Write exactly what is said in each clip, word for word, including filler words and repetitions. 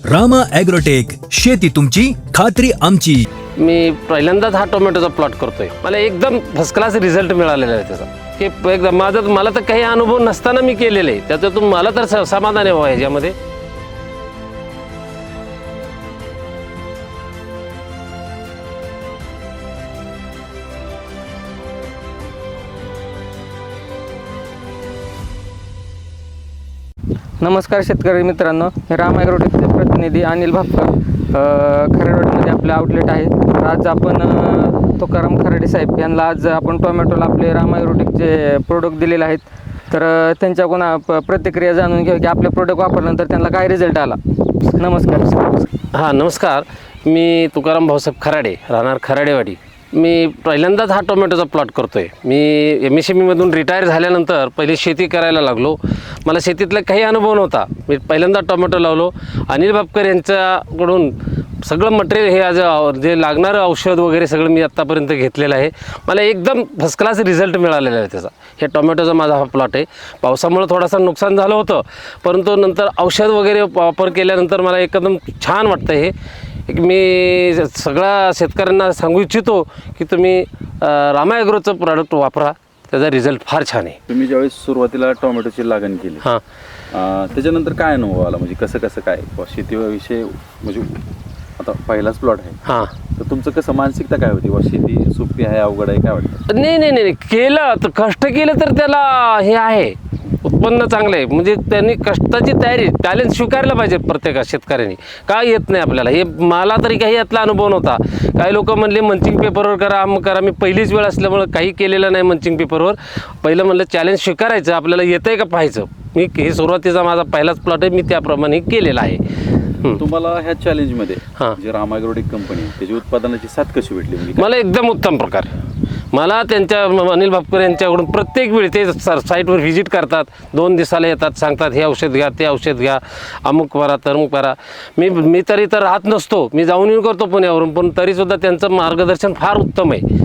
Rama agrotech, शेती तुमची खात्री आमची. मी पहिल्यांदाच हा टोमॅटोचा प्लॉट करतोय. मला एकदम फर्स्ट क्लास रिझल्ट मिळालेला आहे त्याचा, की एकदम माझा मला तर काही अनुभव नसताना मी केलेलं आहे, त्याच्यातून मला तर स- समाधान आहे बाबा ह्याच्यामध्ये. नमस्कार शेतकरी मित्रांनो, हे राम ॲग्रोटेकचे प्रतिनिधी अनिल भापकर खराडवाडीमध्ये आपले आउटलेट आहे. तर आज आपण अ, तुकाराम खराडे साहेब यांना आज आपण टोमॅटोला आपले राम ॲग्रोटेकचे प्रोडक्ट दिलेले आहेत. तर अ, त्यांच्याकडून आप- प्रतिक्रिया जाणून घेऊ की आपले प्रोडक्ट वापरल्यानंतर त्यांना काय रिझल्ट आला. नमस्कार. हां नमस्कार, मी तुकाराम भाऊसाहेब खराडे, राहणार खराडेवाडी. मी पहिल्यांदाच हा टोमॅटोचा प्लॉट करतोय. मी एम एस एम ईमधून रिटायर झाल्यानंतर पहिले शेती करायला लागलो. मला शेतीतला काही अनुभव नव्हता. मी पहिल्यांदा टोमॅटो लावलो. अनिल भापकर यांच्याकडून सगळं मटेरियल हे आज जे लागणारं औषध वगैरे सगळं मी आत्तापर्यंत घेतलेलं आहे. मला एकदम फर्स्ट क्लास रिझल्ट मिळालेला आहे त्याचा. हे टोमॅटोचा माझा हा प्लॉट आहे. पावसामुळे थोडासा नुकसान झालं होतं, परंतु नंतर औषध वगैरे वापर केल्यानंतर मला एकदम छान वाटतं. हे एक मी सगळ्या शेतकऱ्यांना सांगू इच्छितो की तुम्ही रामा ॲग्रोचं प्रॉडक्ट वापरा, त्याचा रिझल्ट फार छान आहे. तुम्ही ज्यावेळेस सुरुवातीला टोमॅटोची लागण केली, हां अं, त्याच्यानंतर काय अनुभव आला, म्हणजे कसं कसं काय शेतीविषयी, म्हणजे आता पहिलाच प्लॉट आहे, हां तर तुमचं कसं मानसिकता काय होती, वा शेती सोपी आहे अवघड आहे काय वाटतं? नाही नाही नाही केलं तर कष्ट केलं तर त्याला हे आहे, उत्पन्न चांगलं आहे. म्हणजे त्यांनी कष्टाची तयारी, टॅलेंट स्वीकारलं पाहिजे प्रत्येक शेतकऱ्यांनी. काय येत नाही आपल्याला, हे मला तरी काही यातला अनुभव नव्हता. काही लोक म्हणले मंचिंग पेपरवर करा, मग करा. मी पहिलीच वेळ असल्यामुळं काही केलेलं नाही मंचिंग पेपरवर. पहिलं म्हणलं चॅलेंज स्वीकारायचं, आपल्याला येतं आहे का पाहायचं. मी हे सुरुवातीचा माझा पहिलाच प्लॉट आहे, मी त्याप्रमाणे केलेला आहे. तुम्हाला ह्या चॅलेंजमध्ये हां. जे रामा ॲग्रोटेक कंपनी त्याची उत्पादनाची साथ कशी भेटली, म्हणजे काय? मला एकदम उत्तम प्रकार. मला त्यांच्या अनिल भापकर यांच्याकडून प्रत्येक वेळी ते सर साईटवर व्हिजिट करतात, दोन दिवसाला येतात, सांगतात हे औषध घ्या, ते औषध घ्या, अमुक करा तमुक करा. मी मी तरी तर राहत नसतो, मी जाऊन येऊन करतो पुण्यावरून, पण तरीसुद्धा त्यांचं मार्गदर्शन फार उत्तम आहे.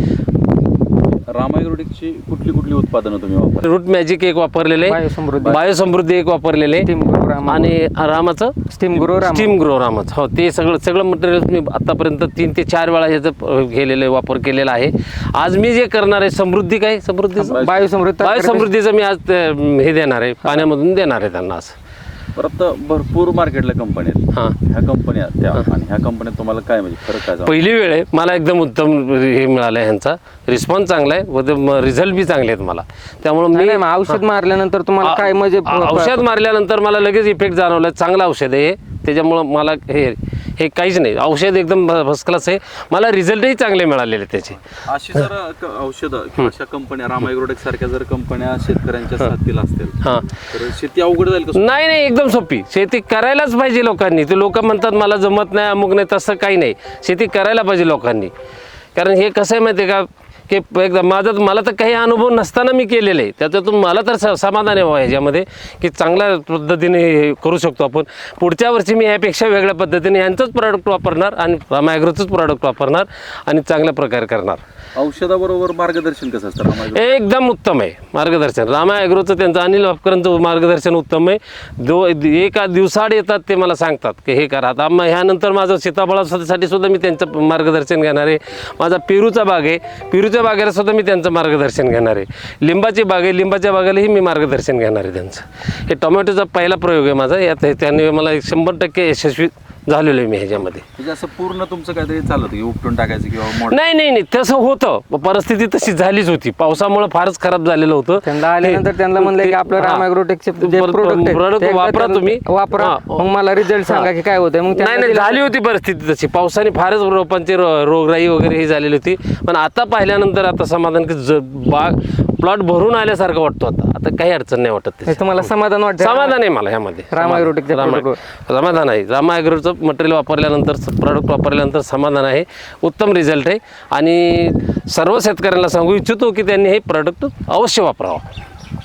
रामा ॲग्रोटेकची कुठली कुठली उत्पादनं तुम्ही वापरता? रूट मॅजिक एक वापरलेले, बायोसमृद्धी. बायोसमृद्धी एक वापरलेले, स्टीम ग्रो रामा आणि रामाचं steam grow Rama steam grow रामाचं. हो, ते सगळं सगळं मटेरियल मी आतापर्यंत तीन ते चार वेळा ह्याचं गेलेलं वापर केलेला आहे. आज मी जे करणार आहे समृद्धी, काय समृद्धीचं बायोसमृद्धी बायोसमृद्धीचं मी आज ते, हे देणार आहे, पाण्यामधून देणार आहे त्यांना. आज परत भरपूर मार्केटला कंपन्या आहेत, हां ह्या कंपन्या त्या आणि ह्या कंपन्यात तुम्हाला काय म्हणजे फरक काय जाणवला? पहिली वेळ आहे, मला एकदम उत्तम हे मिळालं आहे. ह्यांचा रिस्पॉन्स चांगला आहे व रिझल्ट बी चांगले आहेत मला. त्यामुळं नाही, मी नाही, औषध मारल्यानंतर तुम्हाला काय म्हणजे आ- औषध मारल्यानंतर मला लगेच इफेक्ट जाणवला. चांगलं औषध आहे हे, त्याच्यामुळं मला हे हे काहीच नाही, औषध एकदम फर्स्ट क्लास आहे. मला रिझल्टही चांगले मिळालेले त्याचे. अशी जर क- औषधं किंवा अशा कंपन्या रामा ॲग्रोटेक सारख्या जर कंपन्या शेतकऱ्यांच्या साथीला असतील हां तर शेती अवघड जाईल का? नाही नाही, एकदम सोपी. शेती करायलाच पाहिजे लोकांनी. ते लोक म्हणतात मला जमत नाही, अमुक नाही, तसं काही नाही. शेती करायला पाहिजे लोकांनी. कारण हे कसं आहे माहिती आहे का, की एकदा माझं मला तर काही अनुभव नसताना मी केलेलं आहे, त्याच्यातून मला तर स- समाधान आहे बाबा ह्याच्यामध्ये, की चांगल्या पद्धतीने हे करू शकतो आपण. पुढच्या वर्षी मी यापेक्षा वेगळ्या पद्धतीने यांचंच प्रॉडक्ट वापरणार आणि रामा ॲग्रोचंच प्रॉडक्ट वापरणार आणि चांगल्या प्रकारे करणार. औषधाबरोबर मार्गदर्शन कसं असतं रामा ॲग्रो? एकदम उत्तम आहे मार्गदर्शन. रामा ॲग्रोचं त्यांचं अनिल भापकरांचं मार्गदर्शन उत्तम आहे. दो एका दिवसाआड येतात, ते मला सांगतात की हे करा. आता मग ह्यानंतर माझं सीताफळासाठी सुद्धा मी त्यांचं मार्गदर्शन घेणार आहे. माझा पेरूचा बाग आहे, पेरूच्या बागेला सुद्धा मी त्यांचं मार्गदर्शन घेणार आहे. लिंबाची बाग आहे, लिंबाच्या बागेलाही मी मार्गदर्शन घेणार आहे त्यांचं. हे टोमॅटोचा पहिला प्रयोग आहे माझा. यात त्यांनी मला एक शंभर टक्के यशस्वी झालेलो आहे मी ह्याच्यामध्ये. म्हणजे असं पूर्ण तुमचं काहीतरी चालत की उपटून टाकायचं किंवा मोड- नाही नाही नाही, तसं होतं. परिस्थिती तशी झालीच होती, पावसामुळे फारच खराब झालेलं होतं. त्यांना आल्यानंतर त्यांना म्हणलं की आपलं राम ॲग्रोटेकचे जे पर- प्रोडक्ट product वापरा तुम्ही. वापरा, हां. मग मला रिझल्ट सांगा की काय होतंय. मग नाही त्यांना नाही, दिलं. झाली होती परिस्थिती तशी. पावसाने फारच रोपांची रो- रोगराई वगैरे ही झालेली होती. पण आता पाहिल्यानंतर आता समाधान, की ज- बाग प्लॉट भरून आल्यासारखं वाटतो. आता आता काही अडचण नाही वाटत त्याची. हे तुम्हाला समाधान वाटतं? समाधान आहे मला ह्यामध्ये. रामा ॲग्रोटेकच्या रामा- product समाधान आहे. रामा ॲग्रोचं मटेरियल वापरल्यानंतर, प्रॉडक्ट वापरल्यानंतर समाधान आहे. उत्तम रिझल्ट आहे आणि सर्व शेतकऱ्यांना सांगू इच्छितो की त्यांनी हे प्रॉडक्ट अवश्य वापरावं.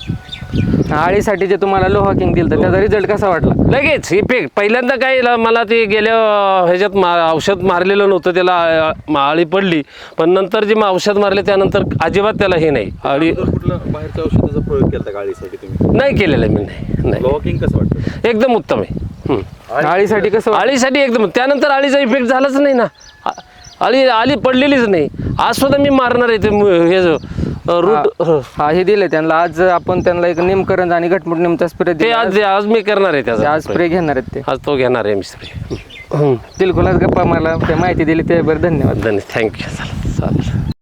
आळीसाठी जे तुम्हाला लोहा किंग दिलं त्याचा रिझल्ट कसा वाटला? लगेच इफेक्ट. पहिल्यांदा काय ल- मला ते गेल्या ह्याच्यात मा औषध मारलेलं नव्हतं, त्याला अ, आळी पडली. पण नंतर जे मग औषध मारले त्यानंतर अजिबात त्याला हे नाही, आळी जर कुठलं बाहेरच्या औषधाचा प्रयोग केला गाडीसाठी तुम्ही, नाही केलेलं मी. नाही नाही, लॉकिंग कसं वाटतं? एकदम उत्तम आहे. हं. आळीसाठी कसं वाटतं? आळीसाठी एकदम त्यानंतर आळीचा इफेक्ट झालाच नाही ना. आ- आळी आळी पडलेलीच नाही. आज सुद्धा मी मारणार आहे ते मु- हे जो रूट हा हे दिले त्यांना. आज आपण त्यांना एक निमकरंज आणि घटमुट निमचा स्प्रे ते आज आज मी करणार आहे त्याचा आज स्प्रे घेणार आहेत ते. आज तो घेणार आहे मी स्प्रे. बिलकुल आज गप्पा मला ते माहिती दिली त्याबद्दल धन्यवाद. धन्यवाद. थँक्यू. चालेल चालेल.